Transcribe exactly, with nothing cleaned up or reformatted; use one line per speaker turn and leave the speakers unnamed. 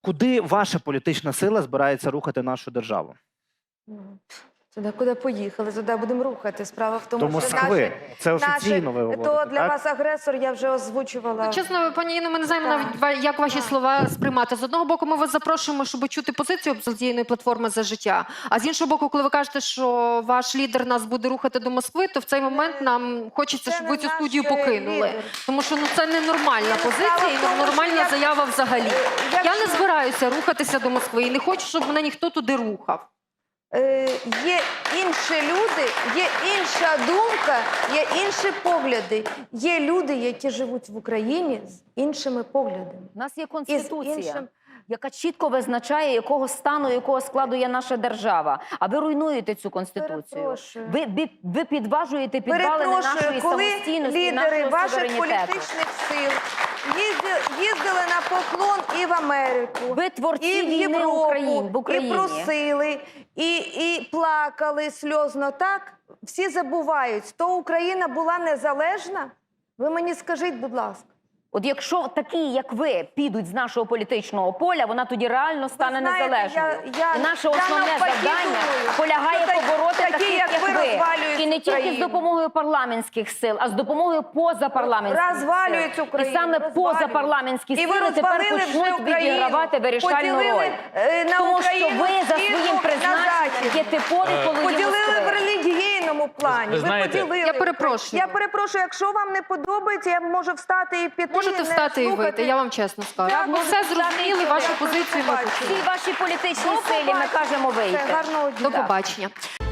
Куди ваша політична сила збирається рухати нашу державу?
Туди, куди поїхали, туди будемо рухати. Справа в тому,
До
що
Москви.
наші,
Це офіційно ви
наші,
говорите,
то для
так?
вас агресор, я вже озвучувала.
Ну, чесно, пані Інно, ми не знаємо навіть, ва- як ваші слова сприймати. З одного боку, ми вас запрошуємо, щоб чути позицію опозиційної платформи «За життя». А з іншого боку, коли ви кажете, що ваш лідер нас буде рухати до Москви, то в цей момент нам хочеться,
Це
щоб
не
ви цю
наш
студію покинули.
лідер.
Тому що ну, це ненормальна
Ні, ну,
позиція
справа
і
в тому,
нормальна
що
заява взагалі.
Е,
Я
якщо-
не збираюся рухатися до Москви і не хочу, щоб мене ніхто туди рухав.
Е, є інші люди, є інша думка, є інші погляди. Є люди, які живуть в Україні з іншими поглядами.
У нас є
І з
конституція,
іншим-
яка чітко визначає, якого стану, якого складу є наша держава. А ви руйнуєте цю конституцію.
Перепрошую.
Ви, ви, ви підважуєте підвалини нашої
Перепрошую, коли
самостійності, і
лідери
нашого
ваших
суверенітету.
політичних сил їздили, їздили на поклон і в Америку,
Ви творці
і в
війни
Європу,
Україн- в Україні.
і просили, і, і плакали сльозно, так? Всі забувають, то Україна була незалежна? Ви мені скажіть, будь ласка.
От якщо такі, як ви, підуть з нашого політичного поля, вона тоді реально стане
знаєте,
незалежною.
я- я-
І наше
я
основне
навпаки
завдання
думаю,
полягає
що такі-
побороти
такі,
таких,
як
як
ви,
ви.
розвалюють
І не тільки з
Україну.
допомогою парламентських сил, а з допомогою позапарламентських
Розвалюють
сил.
Україну,
І саме
розвалюють.
позапарламентські
І ви
сили тепер
розвалили вже
почнуть
Україну.
відігравати вирішальну
Поділили,
роль.
е, на
Тому що
Україну
ви за
східну,
своїм
на
призначенням
західну.
є типові полові
Поділили в
Москви.
релігійному плані.
Ви знаєте,
поділили.
Я перепрошую.
Я перепрошую, якщо вам не подобається, я можу встати і піти.
Можете
не
встати і
слухати.
вийти, я вам чесно скажу.
Я
Ми
можу
все
встати і
зрозуміли,
піти.
вашу позицію ми
Побачення.
почули.
Всій вашій політичній
До
силі ми
побачення.
кажемо вийти.
Все, гарного дня.
До побачення.